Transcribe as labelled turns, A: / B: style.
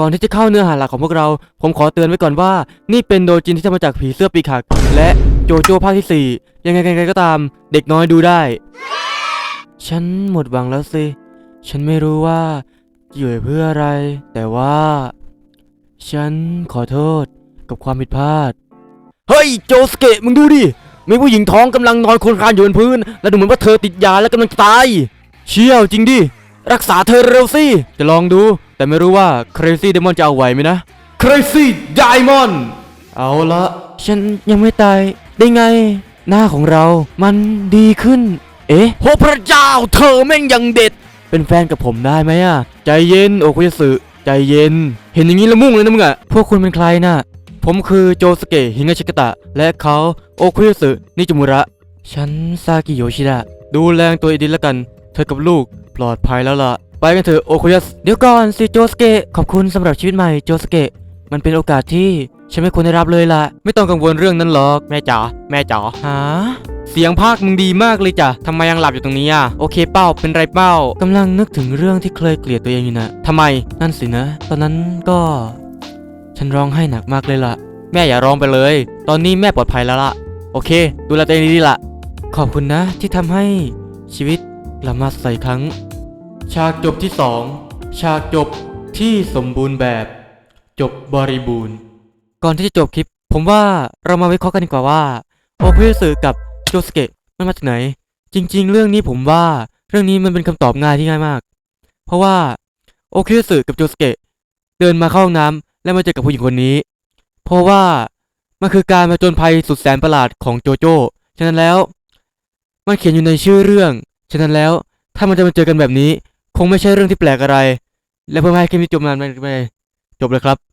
A: ก่อนที่จะเข้าเนื้อหาหลักของพวกเราผมขอเตือนไว้ก่อนว่านี่เป็นโดจินที่ทำมาจากผีเสื้อปีกหักและโจโจ้ภาคที่4ยังไงกันก็ตามเด็กน้อยดูได้ฉันหมดหวังแล้วสิฉันไม่รู้ว่าอยู่เพื่ออะไรแต่ว่าฉันขอโทษกับความผิดพลาดเฮ้ยโจสเกะมึงดูดิมีผู้หญิงท้องกำลังนอนคลนคลานอยู่บนพื้นและดูเหมือนว่าเธอติดยาและกำลังตายเชี่ยวจริงดิรักษาเธอเร็วสิจะลองดูแต่ไม่รู้ว่า Crazy Diamond จะเอาไหวไหมนะ Crazy Diamond เอาละฉันยังไม่ตายได้ไงหน้าของเรามันดีขึ้นเอ๊ะโหพระเจ้าเธอแม่งยังเด็ดเป็นแฟนกับผมได้ไหมอะใจเย็นโอคุยสึใจเย็นเห็นอย่างนี้ละมุ่งเลยนะมึงอะพวกคุณเป็นใครน่ะผมคือโจสเกะฮิงาชิกะตะและเขาโอคุยสึนิจุมุระฉันซากิโยชิดะดูแลตัวดีๆแล้วกันเธอกับลูกปลอดภัยแล้วล่ะไปกันเถอะโอคุยสึเดี๋ยวก่อนสิโจสเกะขอบคุณสำหรับชีวิตใหม่โจสเกะมันเป็นโอกาสที่ฉันไม่ควรได้รับเลยล่ะไม่ต้องกังวลเรื่องนั้นหรอกแม่จ๋าหาเสียงภาคมึงดีมากเลยจ้ะทำไมยังหลับอยู่ตรงนี้อ่ะโอเคเป้าเป็นไรเป้ากำลังนึกถึงเรื่องที่เคยเกลียดตัวเองอยู่นะทำไมนั่นสินะตอนนั้นก็ฉันร้องไห้หนักมากเลยล่ะแม่อย่าร้องไปเลยตอนนี้แม่ปลอดภัยแล้วล่ะโอเคดูแลตัวเองดีๆล่ะขอบคุณนะที่ทำให้ชีวิตกลับมาใสครั้งฉากจบที่2ฉากจบที่สมบูรณ์แบบจบบริบูรณ์ก่อนที่จะจบคลิปผมว่าเรามาวิเคราะห์กันดีกว่าว่าโอคุสึกับโจสเกะมันมาจากไหนจริงๆเรื่องนี้ผมว่าเรื่องนี้มันเป็นคำตอบง่ายที่ง่ายมากเพราะว่าโอคุสึกับโจสเกะเดินมาเข้าห้องน้ำและมาเจอกับผู้หญิงคนนี้เพราะว่ามันคือการผจญภัยสุดแสนประหลาดของโจโจ้ฉะนั้นแล้วมันเขียนอยู่ในชื่อเรื่องฉะนั้นแล้วถ้ามันจะมาเจอกันแบบนี้คงไม่ใช่เรื่องที่แปลกอะไรและเพื่อให้คลิปนี้จบนานไปจบเลยครับ